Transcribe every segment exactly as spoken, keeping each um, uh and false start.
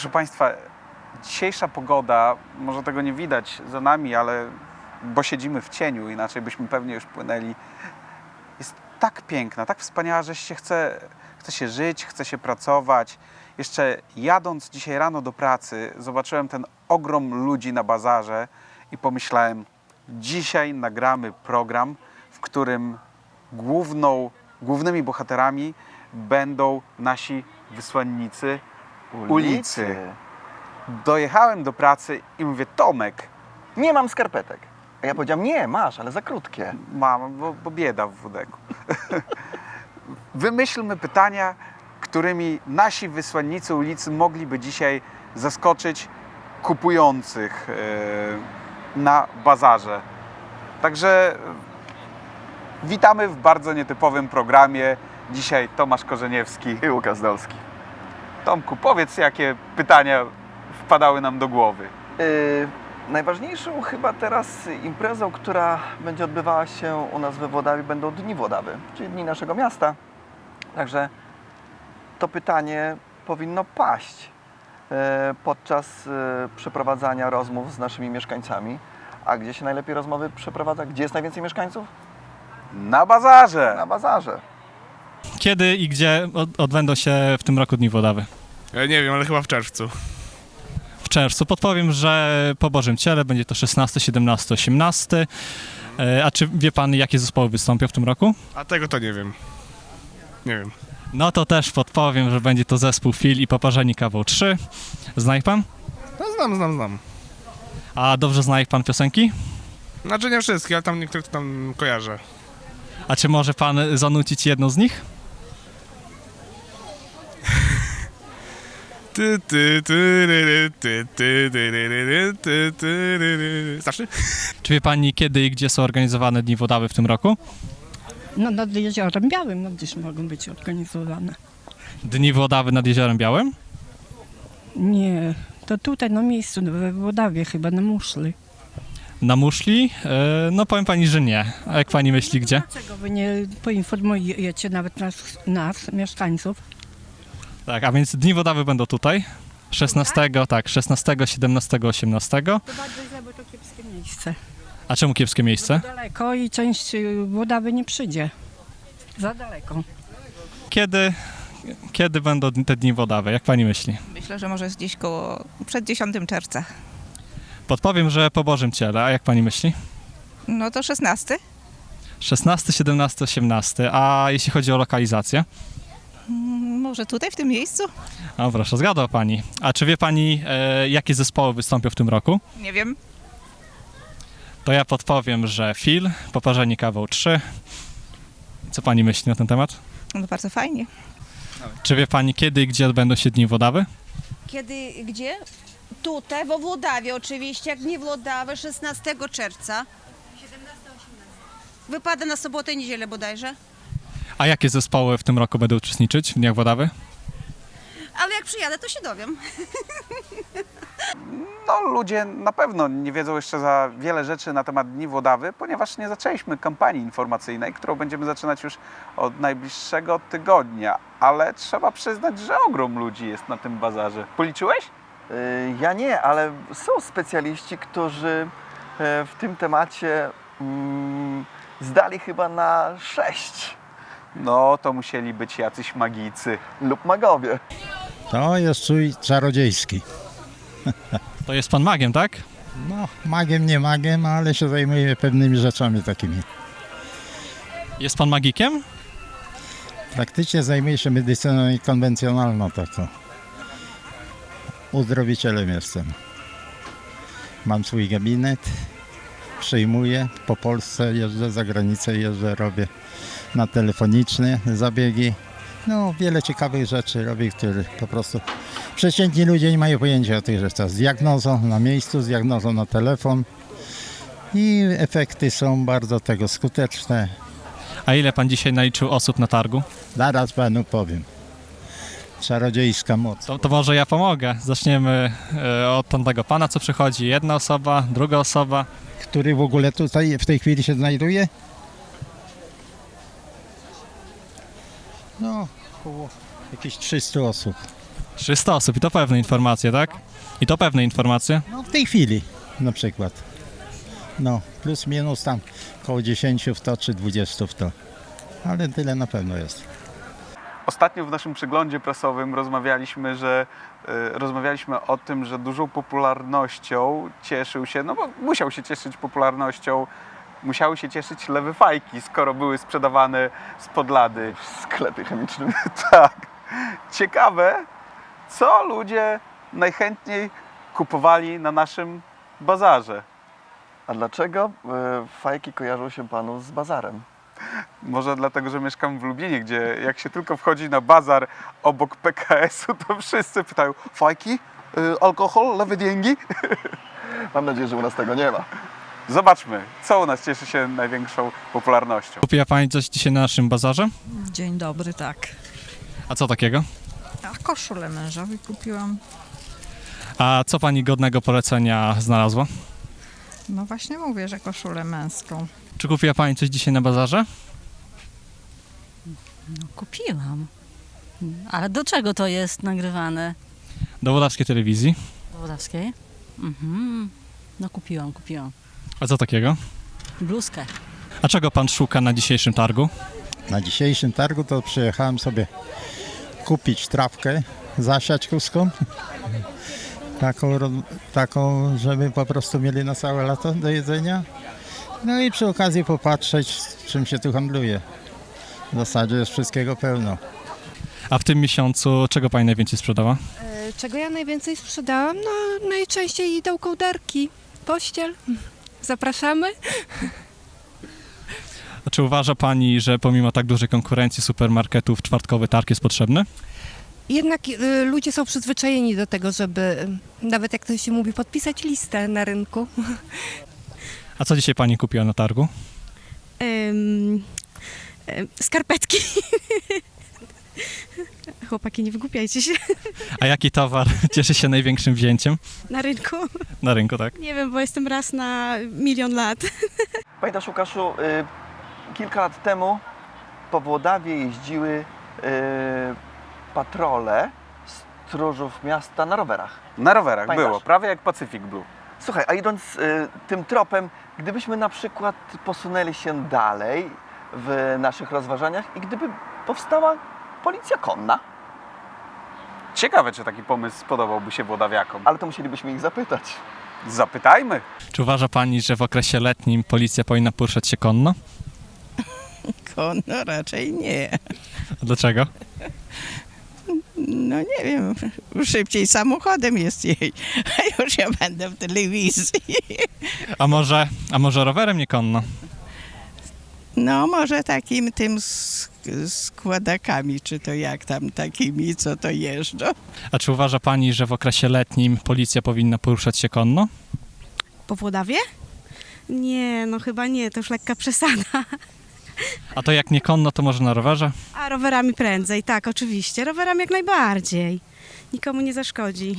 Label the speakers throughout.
Speaker 1: Proszę Państwa, dzisiejsza pogoda, może tego nie widać za nami, ale bo siedzimy w cieniu, inaczej byśmy pewnie już płynęli, jest tak piękna, tak wspaniała, że się chce, chce się żyć, chce się pracować. Jeszcze jadąc dzisiaj rano do pracy, zobaczyłem ten ogrom ludzi na bazarze i pomyślałem, dzisiaj nagramy program, w którym główną, głównymi bohaterami będą nasi wysłannicy ulicy. ulicy. Dojechałem do pracy i mówię, Tomek,
Speaker 2: nie mam skarpetek. A ja powiedziałem, nie, masz, ale za krótkie.
Speaker 1: mam, bo, bo bieda w Wudeku. Wymyślmy pytania, którymi nasi wysłannicy ulicy mogliby dzisiaj zaskoczyć kupujących yy, na bazarze. Także witamy w bardzo nietypowym programie. Dzisiaj Tomasz Korzeniewski
Speaker 2: I Łukasz Dolski.
Speaker 1: Tomku, powiedz, jakie pytania wpadały nam do głowy.
Speaker 2: Yy, najważniejszą chyba teraz imprezą, która będzie odbywała się u nas we Włodawie, będą Dni Włodawy, czyli Dni naszego miasta. Także to pytanie powinno paść yy, podczas yy, przeprowadzania rozmów z naszymi mieszkańcami. A gdzie się najlepiej rozmowy przeprowadza? Gdzie jest najwięcej mieszkańców?
Speaker 1: Na bazarze!
Speaker 2: Na bazarze.
Speaker 3: Kiedy i gdzie odbędą się w tym roku Dni Włodawy?
Speaker 4: Ja nie wiem, ale chyba w czerwcu.
Speaker 3: W czerwcu. Podpowiem, że po Bożym Ciele będzie to szesnasty, siedemnasty, osiemnasty. A czy wie pan, jakie zespoły wystąpią w tym roku?
Speaker 4: A tego to nie wiem. Nie wiem.
Speaker 3: No to też podpowiem, że będzie to zespół Fil i Poparzeni Kawał trzy. Zna ich pan?
Speaker 4: No znam, znam, znam.
Speaker 3: A dobrze zna ich pan piosenki?
Speaker 4: Znaczy nie wszystkie, ale tam niektóre to tam kojarzę.
Speaker 3: A czy może pan zanucić jedną z nich?
Speaker 4: Ty, ty, ty, ry, ty, ty, ty, ry, ry, ty, ty, ry, ry. Starszy?
Speaker 3: Czy wie pani, kiedy i gdzie są organizowane Dni Włodawy w tym roku?
Speaker 5: No nad Jeziorem Białym, no gdzieś mogą być organizowane.
Speaker 3: Dni Włodawy nad Jeziorem Białym?
Speaker 5: Nie, to tutaj na miejscu, we Włodawie chyba, na Muszli.
Speaker 3: Na Muszli? E, no powiem pani, że nie. A jak pani myśli, gdzie?
Speaker 5: Dlaczego wy nie poinformujecie nawet nas, nas mieszkańców?
Speaker 3: Tak, a więc Dni Włodawy będą tutaj. szesnastego, tak, szesnastego, siedemnastego, osiemnastego.
Speaker 5: To bardzo źle, bo to kiepskie miejsce.
Speaker 3: A czemu kiepskie miejsce?
Speaker 5: Daleko i część y, Włodawy nie przyjdzie. Za daleko.
Speaker 3: Kiedy, kiedy będą te Dni Włodawy? Jak pani myśli?
Speaker 6: Myślę, że może jest gdzieś koło przed dziesiątego czerwca.
Speaker 3: Podpowiem, że po Bożym Ciele. A jak pani myśli?
Speaker 6: No to szesnasty.
Speaker 3: szesnasty, siedemnasty, osiemnasty. A jeśli chodzi o lokalizację?
Speaker 6: Mm, Może tutaj, w tym miejscu?
Speaker 3: No proszę, zgadła pani. A czy wie pani, e, jakie zespoły wystąpią w tym roku?
Speaker 6: Nie wiem.
Speaker 3: To ja podpowiem, że Fil, Poparzeni Kawał trzy. Co pani myśli na ten temat?
Speaker 6: No bardzo fajnie.
Speaker 3: Czy wie pani, kiedy i gdzie odbędą się Dni Włodawy?
Speaker 7: Kiedy, gdzie? Tutaj, we Włodawie oczywiście, jak nie Włodawy, szesnastego czerwca. Wypada na sobotę i niedzielę bodajże.
Speaker 3: A jakie zespoły w tym roku będą uczestniczyć w Dniach Włodawy?
Speaker 7: Ale jak przyjadę, to się dowiem.
Speaker 1: No, ludzie na pewno nie wiedzą jeszcze za wiele rzeczy na temat Dni Włodawy, ponieważ nie zaczęliśmy kampanii informacyjnej, którą będziemy zaczynać już od najbliższego tygodnia. Ale trzeba przyznać, że ogrom ludzi jest na tym bazarze. Policzyłeś?
Speaker 2: Yy, ja nie, ale są specjaliści, którzy yy, w tym temacie mm, zdali chyba na sześć
Speaker 1: No, to musieli być jacyś magicy.
Speaker 2: lub magowie.
Speaker 8: To jest strój czarodziejski.
Speaker 3: To jest pan magiem, tak?
Speaker 8: No, magiem, nie magiem, ale się zajmuję pewnymi rzeczami takimi.
Speaker 3: Jest pan magikiem?
Speaker 8: Praktycznie zajmuję się medycyną konwencjonalną taką. Uzdrowicielem jestem. Mam swój gabinet, przyjmuję, po Polsce jeżdżę, za granicę jeżdżę, robię na telefoniczne zabiegi. No, wiele ciekawych rzeczy robię, które po prostu przeciętni ludzie nie mają pojęcia o tych rzeczach. Z diagnozą na miejscu, z diagnozą na telefon i efekty są bardzo tego skuteczne.
Speaker 3: A ile pan dzisiaj naliczył osób na targu?
Speaker 8: Zaraz panu powiem. Czarodziejska moc.
Speaker 3: To, to może ja pomogę. Zaczniemy e, od tamtego pana, co przychodzi. Jedna osoba, druga osoba.
Speaker 8: Który w ogóle tutaj w tej chwili się znajduje? No, około jakieś trzysta osób.
Speaker 3: trzysta osób i to pewne informacje, tak? I to pewne informacje.
Speaker 8: No w tej chwili na przykład. No, plus minus tam koło dziesięć w to czy dwadzieścia w to. Ale tyle na pewno jest.
Speaker 1: Ostatnio w naszym przeglądzie prasowym rozmawialiśmy, że y, rozmawialiśmy o tym, że dużą popularnością cieszył się, no bo musiał się cieszyć popularnością, musiały się cieszyć lewe fajki, skoro były sprzedawane spod lady.
Speaker 2: W sklepie chemicznym.
Speaker 1: Tak. Ciekawe, co ludzie najchętniej kupowali na naszym bazarze.
Speaker 2: A dlaczego y, fajki kojarzą się panu z bazarem?
Speaker 1: Może dlatego, że mieszkam w Lublinie, gdzie jak się tylko wchodzi na bazar obok P K S-u, to wszyscy pytają: fajki, y, alkohol, lewe dzięgi?
Speaker 2: Mam nadzieję, że u nas tego nie ma.
Speaker 1: Zobaczmy, co u nas cieszy się największą popularnością.
Speaker 3: Kupiła pani coś dzisiaj na naszym bazarze?
Speaker 9: Dzień dobry, tak.
Speaker 3: A co takiego?
Speaker 9: A koszulę mężowi kupiłam.
Speaker 3: A co pani godnego polecenia znalazła?
Speaker 9: No właśnie mówię, że koszulę męską.
Speaker 3: Czy kupiła pani coś dzisiaj na bazarze?
Speaker 10: No kupiłam. Ale do czego to jest nagrywane?
Speaker 3: Do Włodawskiej Telewizji.
Speaker 10: Do Włodawskiej? Mhm. No kupiłam, kupiłam.
Speaker 3: A co takiego?
Speaker 10: Bluzkę.
Speaker 3: A czego pan szuka na dzisiejszym targu?
Speaker 8: Na dzisiejszym targu to przyjechałem sobie kupić trawkę zasiaćkowską. Taką, ro- taką, żeby po prostu mieli na całe lato do jedzenia. No i przy okazji popatrzeć, czym się tu handluje. W zasadzie jest wszystkiego pełno.
Speaker 3: A w tym miesiącu czego pani najwięcej sprzedała?
Speaker 5: Czego ja najwięcej sprzedałam? No najczęściej idą kołderki, pościel. Zapraszamy.
Speaker 3: A czy uważa pani, że pomimo tak dużej konkurencji supermarketów czwartkowy targ jest potrzebny?
Speaker 5: Jednak y, ludzie są przyzwyczajeni do tego, żeby, y, nawet jak to się mówi, podpisać listę na rynku.
Speaker 3: A co dzisiaj pani kupiła na targu?
Speaker 5: Ym, y, skarpetki. Chłopaki, nie wygłupiajcie się.
Speaker 3: A jaki towar cieszy się największym wzięciem
Speaker 5: Na rynku?
Speaker 3: na rynku, tak?
Speaker 5: Nie wiem, bo jestem raz na milion lat.
Speaker 2: Pamiętasz, Łukaszu, y, kilka lat temu po Włodawie jeździły y, patrole stróżów miasta na rowerach.
Speaker 1: Na rowerach
Speaker 2: Pamiętasz?
Speaker 1: było, prawie jak Pacific Blue.
Speaker 2: Słuchaj, a idąc y, tym tropem, gdybyśmy na przykład posunęli się dalej w naszych rozważaniach i gdyby powstała policja konna,
Speaker 1: Ciekawe, czy taki pomysł spodobałby się włodawiakom.
Speaker 2: ale to musielibyśmy ich zapytać.
Speaker 1: Zapytajmy.
Speaker 3: Czy uważa pani, że w okresie letnim policja powinna poruszać się konno?
Speaker 9: No raczej nie.
Speaker 3: A dlaczego?
Speaker 9: No nie wiem, szybciej samochodem jest jej, a już ja będę w telewizji.
Speaker 3: A może, a może rowerem nie konno?
Speaker 9: No może takim tym sk- składakami, czy to jak tam takimi, co to jeżdżą.
Speaker 3: A czy uważa pani, że w okresie letnim policja powinna poruszać się konno?
Speaker 5: Po Włodawie? Nie, no chyba nie, to już lekka przesada.
Speaker 3: A to jak nie konno, to może na rowerze?
Speaker 5: A rowerami prędzej, tak, oczywiście. Rowerami jak najbardziej. Nikomu nie zaszkodzi.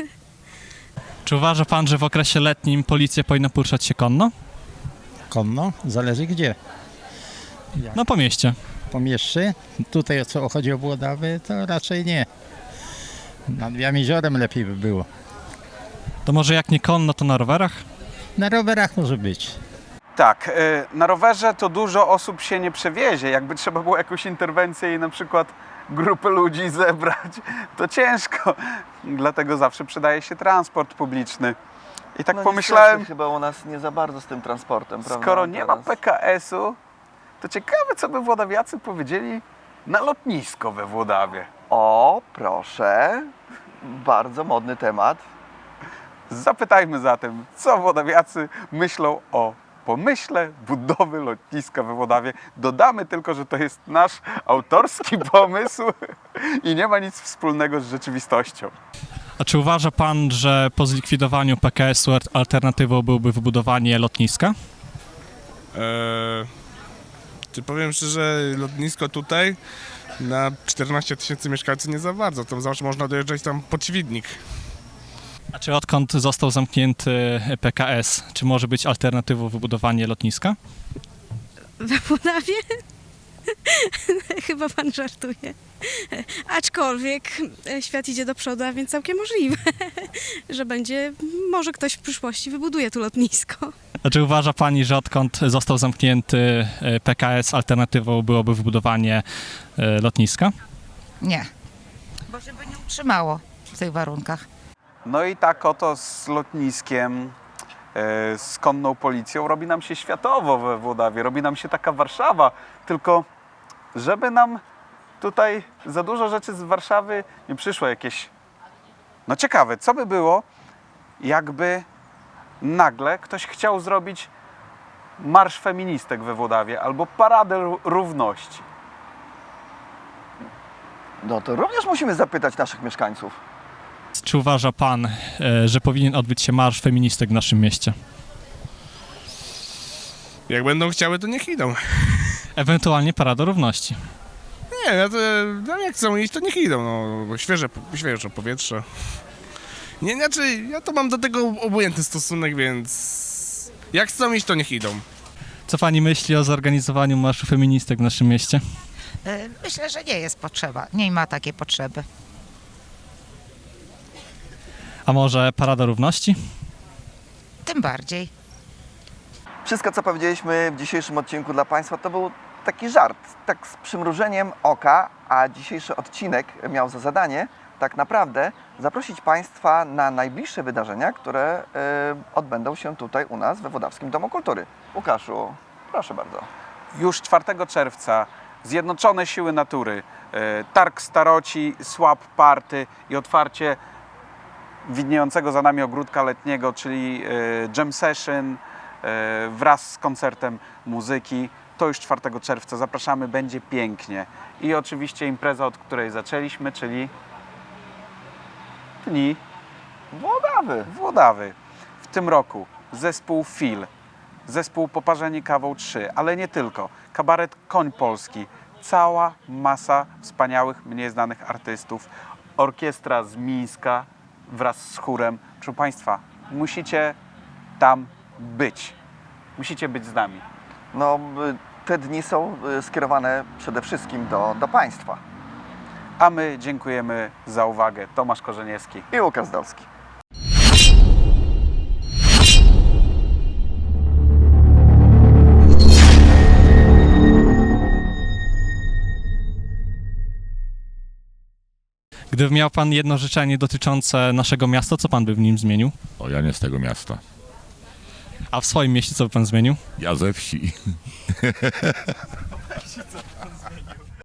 Speaker 3: Czy uważa pan, że w okresie letnim policja powinna poruszać się konno?
Speaker 8: Konno? Zależy gdzie.
Speaker 3: No po mieście.
Speaker 8: Po mieście. Tutaj co chodzi o Włodawy, to raczej nie. Nad Jeziorem lepiej by było.
Speaker 3: To może jak nie konno, to na rowerach?
Speaker 8: Na rowerach może być.
Speaker 1: Tak, y, na rowerze to dużo osób się nie przewiezie. Jakby trzeba było jakąś interwencję i na przykład grupę ludzi zebrać, to ciężko. Dlatego zawsze przydaje się transport publiczny. I tak
Speaker 2: no
Speaker 1: pomyślałem,
Speaker 2: niestety, chyba u nas nie za bardzo z tym transportem, prawda?
Speaker 1: skoro nie ma
Speaker 2: Teraz.
Speaker 1: P K S-u, to ciekawe, co by włodawiacy powiedzieli na lotnisko we Włodawie.
Speaker 2: O, proszę. Bardzo modny temat.
Speaker 1: Zapytajmy zatem, co włodawiacy myślą o pomyśle budowy lotniska we Włodawie. Dodamy tylko, że to jest nasz autorski pomysł i nie ma nic wspólnego z rzeczywistością.
Speaker 3: A czy uważa pan, że po zlikwidowaniu P K S-u alternatywą byłoby wybudowanie lotniska?
Speaker 4: Eee, czy powiem szczerze, lotnisko tutaj na czternaście tysięcy mieszkańców nie za bardzo. To zawsze można dojeżdżać tam pod Świdnik.
Speaker 3: A czy odkąd został zamknięty P K S, czy może być alternatywą wybudowanie lotniska?
Speaker 5: We Włodawie? Chyba pan żartuje.
Speaker 11: Aczkolwiek e, świat idzie do przodu, a więc całkiem możliwe, że będzie, może ktoś w przyszłości wybuduje tu lotnisko.
Speaker 3: A czy uważa pani, że odkąd został zamknięty e, P K S, alternatywą byłoby wybudowanie e, lotniska?
Speaker 12: Nie, bo się by nie utrzymało w tych warunkach.
Speaker 1: No i tak oto z lotniskiem, e, z konną policją robi nam się światowo we Włodawie, robi nam się taka Warszawa, tylko żeby nam tutaj za dużo rzeczy z Warszawy nie przyszło jakieś... No ciekawe, co by było, jakby nagle ktoś chciał zrobić marsz feministek we Włodawie albo paradę ró- równości.
Speaker 2: No to również musimy zapytać naszych mieszkańców.
Speaker 3: Czy uważa pan, e, że powinien odbyć się marsz feministek w naszym mieście?
Speaker 4: Jak będą chciały, to niech idą.
Speaker 3: Ewentualnie parada równości.
Speaker 4: Nie, no to, no jak chcą iść, to niech idą, no, bo świeże, świeże powietrze. Nie, znaczy, ja to mam do tego obojętny stosunek, więc jak chcą iść, to niech idą.
Speaker 3: Co pani myśli o zorganizowaniu marszu feministek w naszym mieście?
Speaker 12: Myślę, że nie jest potrzeba, nie ma takiej potrzeby.
Speaker 3: A może parada równości?
Speaker 12: Tym bardziej.
Speaker 2: Wszystko, co powiedzieliśmy w dzisiejszym odcinku dla Państwa, to był taki żart, tak z przymrużeniem oka, a dzisiejszy odcinek miał za zadanie tak naprawdę zaprosić Państwa na najbliższe wydarzenia, które y, odbędą się tutaj u nas we Włodawskim Domu Kultury. Łukaszu, proszę bardzo.
Speaker 1: Już czwartego czerwca Zjednoczone Siły Natury, e, Targ Staroci, Swap Party i otwarcie widniejącego za nami ogródka letniego, czyli e, Jam Session e, wraz z koncertem muzyki. To już czwartego czerwca. Zapraszamy, będzie pięknie. I oczywiście impreza, od której zaczęliśmy, czyli Dni
Speaker 2: Włodawy.
Speaker 1: Włodawy. W tym roku zespół Fil, zespół Poparzeni Kawą trzy, ale nie tylko. Kabaret Koń Polski, cała masa wspaniałych, mniej znanych artystów. Orkiestra z Mińska wraz z chórem. Proszę Państwa, musicie tam być. Musicie być z nami.
Speaker 2: No, y, te dni są y, skierowane przede wszystkim do, do Państwa.
Speaker 1: A my dziękujemy za uwagę. Tomasz Korzeniewski
Speaker 2: I Łukasz Zdolski.
Speaker 3: Gdyby miał pan jedno życzenie dotyczące naszego miasta, co pan by w nim zmienił?
Speaker 13: O, ja nie z tego miasta.
Speaker 3: A w swoim mieście co by pan zmienił?
Speaker 13: Ja ze wsi.